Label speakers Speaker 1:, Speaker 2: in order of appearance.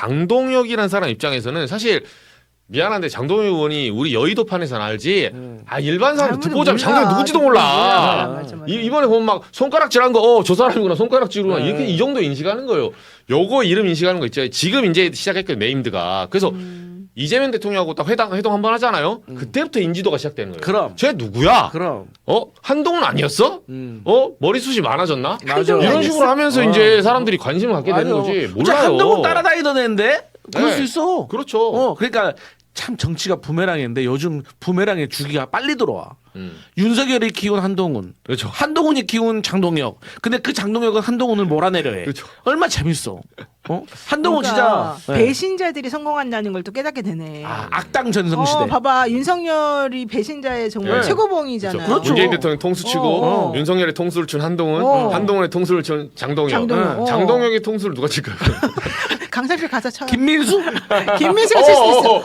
Speaker 1: 장동혁이라는 사람 입장에서는 사실 미안한데 장동혁 의원이 우리 여의도판에서는 알지. 일반 사람 듣고 보자면 장동혁 누군지도 몰라.
Speaker 2: 맞아.
Speaker 1: 이번에 보면 막 손가락질한 거, 저 사람이구나 손가락질구나 이렇게 이 정도 인식하는 거예요. 요거 이름 인식하는 거 있죠. 지금 이제 시작했거든 네임드가. 그래서 이재명 대통령하고 딱 회동 한번 하잖아요. 그때부터 인지도가 시작되는 거예요.
Speaker 3: 그럼.
Speaker 1: 쟤 누구야?
Speaker 3: 그럼.
Speaker 1: 한동훈 아니었어? 머리숱이 많아졌나?
Speaker 3: 맞아.
Speaker 1: 이런 식으로 하면서 이제 사람들이 관심을 갖게 되는 거지. 몰라요.
Speaker 3: 한동훈 따라다니던 애인데 그럴
Speaker 1: 네.
Speaker 3: 수 있어.
Speaker 1: 그렇죠.
Speaker 3: 그러니까 참 정치가 부메랑인데 요즘 부메랑의 주기가 빨리 들어와. 윤석열이 키운 한동훈,
Speaker 1: 그렇죠.
Speaker 3: 한동훈이 키운 장동혁. 근데 그 장동혁은 한동훈을 몰아내려 해.
Speaker 1: 그렇죠.
Speaker 3: 얼마 재밌어. 한동훈
Speaker 2: 그러니까
Speaker 3: 진짜 네.
Speaker 2: 배신자들이 성공한다는 걸 또 깨닫게 되네.
Speaker 3: 악당 전성시대.
Speaker 2: 봐봐 윤석열이 배신자의 정말
Speaker 1: 네.
Speaker 2: 최고봉이잖아.
Speaker 3: 그렇죠.
Speaker 1: 문재인 대통령 통수 치고 윤석열의 통수를 준 한동훈, 한동훈의 통수를 준 장동혁.
Speaker 2: 장동혁.
Speaker 1: 장동혁의 통수를 누가 칠까요?
Speaker 2: 강사실 가서 쳐.
Speaker 3: 김민수?
Speaker 2: 김민수가 칠 수 있어.